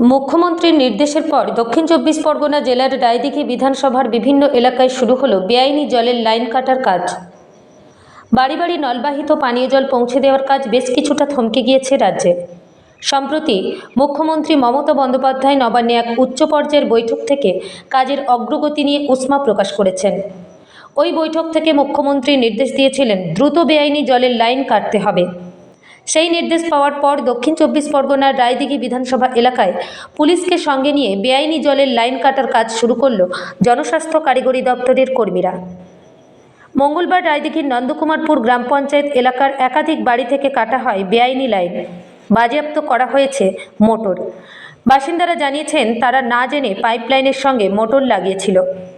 মুখ্যমন্ত্রীর নির্দেশের পর দক্ষিণ চব্বিশ পরগনা জেলার রায়দিঘি বিধানসভার বিভিন্ন এলাকায় শুরু হলো বেআইনি জলের লাইন কাটার কাজ। বাড়ি বাড়ি নলবাহিত পানীয় জল পৌঁছে দেওয়ার কাজ বেশ কিছুটা থমকে গিয়েছে রাজ্যে। সম্প্রতি মুখ্যমন্ত্রী মমতা বন্দ্যোপাধ্যায় নবান্নে এক উচ্চ পর্যায়ের বৈঠক থেকে কাজের অগ্রগতি নিয়ে উষ্মা প্রকাশ করেছেন। ওই বৈঠক থেকে মুখ্যমন্ত্রী নির্দেশ দিয়েছিলেন দ্রুত বেআইনি জলের লাইন কাটতে হবে। সেই নির্দেশ পাওয়ার পর দক্ষিণ চব্বিশ পরগনার রায়দিঘি বিধানসভা এলাকায় পুলিশকে সঙ্গে নিয়ে বেআইনি জলের লাইন কাটার কাজ শুরু করল জনস্বাস্থ্য কারিগরি দপ্তরের কর্মীরা। মঙ্গলবার রায়দিঘির নন্দকুমারপুর গ্রাম পঞ্চায়েত এলাকার একাধিক বাড়ি থেকে কাটা হয় বেআইনি লাইন। বাজেয়াপ্ত করা হয়েছে মোটর। বাসিন্দারা জানিয়েছেন তারা না জেনে পাইপলাইনের সঙ্গে মোটর লাগিয়েছিল।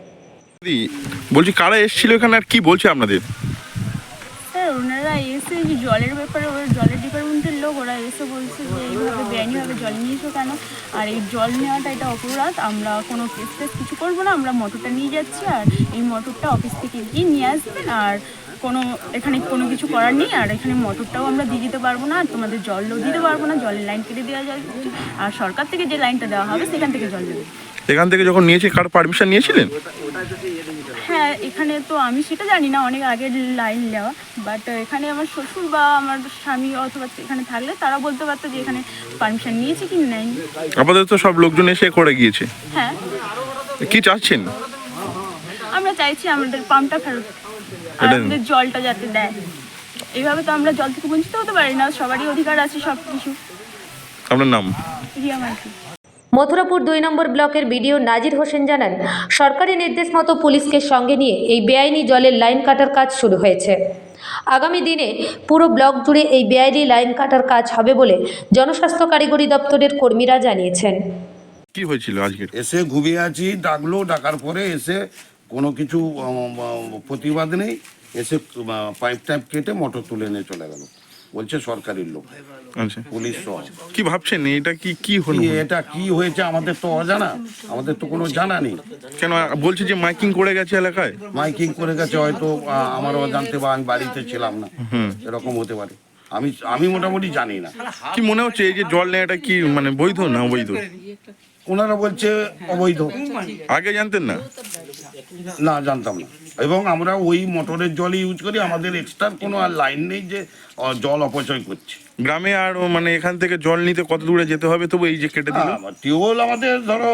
বলছি কারা এসেছিল এখানে আর কি বলছে আপনাদের? স্যার ওনারা এসে যে জলের ব্যাপারে জলের ডিপার্টমেন্টের লোক ওরা এসে বলছে যে এইভাবে বেআইনিভাবে জল নিয়েছো কেন, আর এই জল নেওয়াটা এটা অপরাধ, আমরা কোনো কেস কিছু করবো না, আমরা মোটরটা নিয়ে যাচ্ছি আর এই মোটরটা অফিস থেকে গিয়ে নিয়ে আসবেন, আর এখানে কোনো কিছু করার নেই, আর এখানে মোটরটাও আমরা দিয়ে দিতে পারবো না, আর তোমাদের জলও দিতে পারবো না, জলের লাইন কেটে দেওয়া যাবে, আর সরকার থেকে যে লাইনটা দেওয়া হবে সেখান থেকে জল দেবে। এখান থেকে যখন নিয়েছে কার পারমিশন নিয়েছিলেন? হ্যাঁ, এখানে তো আমি সেটা জানি না, অনেক আগের লাইন নেওয়া, বাট এখানে আমার শ্বশুর বা আমার স্বামী অথবা এখানে থাকলে তারা বলতে পারতো যে এখানে পারমিশন নিয়েছে কি নেয়নি। আমাদের তো সব লোকজন এসে করে গিয়েছে। হ্যাঁ, কি চাচ্ছেন? আমরা চাইছি আমাদের পাম্পটা ফেরত, আর আমাদের জলটা যাতে দেয়। এইভাবে তো আমরা জল থেকে বঞ্চিত হতে পারি না, সবারই অধিকার আছে সব কিছু। আপনার নাম? রিয়া মাইতি। মথুরাপুর 2 নম্বর ব্লকের বিডিও নাজির হোসেন জানান, সরকারি নির্দেশ মতো পুলিশকে সঙ্গে নিয়ে এই বেআইনি জলের লাইন কাটার কাজ শুরু হয়েছে। আগামী দিনে পুরো ব্লক জুড়ে এই বেআইনি লাইন কাটার কাজ হবে বলে জনস্বাস্থ্য কারিগরি দপ্তরের কর্মীরা জানিয়েছেন। কি হয়েছিল আজকে? এসে ঘুমিয়ে আছি, ডাকার পরে এসে কোনো কিছু প্রতিবাদ নেই, এসে পাইপ টাইপ কেটে মোটর তুলে নিয়ে চলে গেল। বলছে সরকারি লোক, আচ্ছা, পুলিশ সহ। কি ভাবছেন এটা কি হলো? এটা কি হয়েছে আমাদের তো অজানা, আমাদের তো কোনো জানা নেই। কেন বলছে যে মাইকিং করে গেছে এলাকায়? মাইকিং করে গেছে, হয়তো আমারও জানতে বা আমি বাড়িতে ছিলাম না, এরকম হতে পারে। আমি মোটামুটি জানি না। কি মনে হচ্ছে এই যে জল নেওয়াটা কি মানে বৈধ না অবৈধ? ওনারা বলছে অবৈধ। আগে জানতেন না? না, জানতাম না। এবং আমরা ওই মোটরের জলই ইউজ করি, আমাদের এক্সট্রা কোনো আর লাইন নেই যে জল অপচয় করছে। গ্রামে আর মানে এখান থেকে জল নিতে কত দূরে যেতে হবে? তবু এই যে কেটে দিল। টিউবওয়েল আমাদের ধরো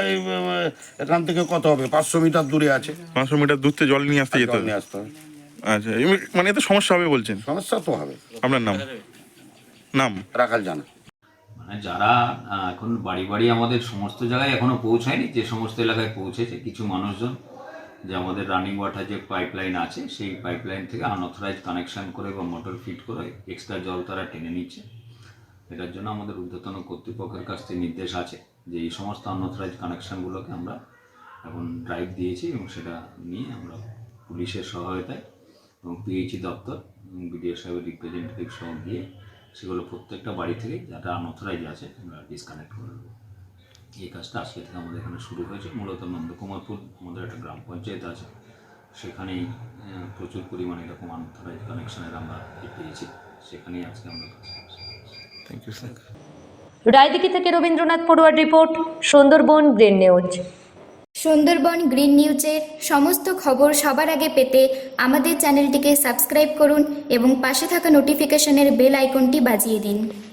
এখান থেকে কত হবে, 500 মিটার দূরে আছে। 500 মিটার দূর থেকে জল নিয়ে আসতে যেতে হবে। আচ্ছা, মানে এত সমস্যা হবে বলছেন? সমস্যা তো হবে। আপনার নাম? নাম রাখাল জানা। মানে যারা এখন বাড়ি বাড়ি আমাদের সমস্ত জায়গায় এখনো পৌঁছায়নি, যে সমস্ত এলাকায় পৌঁছেছে কিছু মানুষজন, যে আমাদের রানিং ওয়াটার যে পাইপলাইন আছে সেই পাইপলাইন থেকে আনঅথরাইজ কানেকশন করে বা মোটর ফিট করে এক্সট্রা জল তারা টেনে নিচ্ছে। এটার জন্য আমাদের ঊর্ধ্বতন কর্তৃপক্ষের কাছ থেকে নির্দেশ আছে যে এই সমস্ত আনঅথরাইজ কানেকশানগুলোকে আমরা এখন ড্রাইভ দিয়েছি, এবং সেটা নিয়ে আমরা পুলিশের সহায়তায় এবং পিএইচই দপ্তর এবং বিডিও সাহেবের রিপ্রেজেন্টেটিভ সহ গিয়ে সেগুলো প্রত্যেকটা বাড়ি থেকে যারা আনঅথরাইজ আছে আমরা ডিসকানেক্ট করে দেবো। এই কাজটা আজকে থেকে আমাদের এখানে শুরু হয়েছে। মূলত নন্দকুমারপুর আমাদের একটা গ্রাম পঞ্চায়েত আছে, সেখানেই প্রচুর পরিমাণে এরকম আনঅথরাইজ কানেকশানের আমরা পেয়েছি, সেখানেই আজকে আমরা কাজ করছি। Thank you sir. রায়দিঘি থেকে রবীন্দ্রনাথ পড়ুয়ার report, Sundarban green news. Sundarban green নিউজের সমস্ত খবর সবার আগে পেতে আমাদের চ্যানেলটিকে সাবস্ক্রাইব করুন এবং পাশে থাকা নোটিফিকেশনের বেল আইকনটি বাজিয়ে দিন।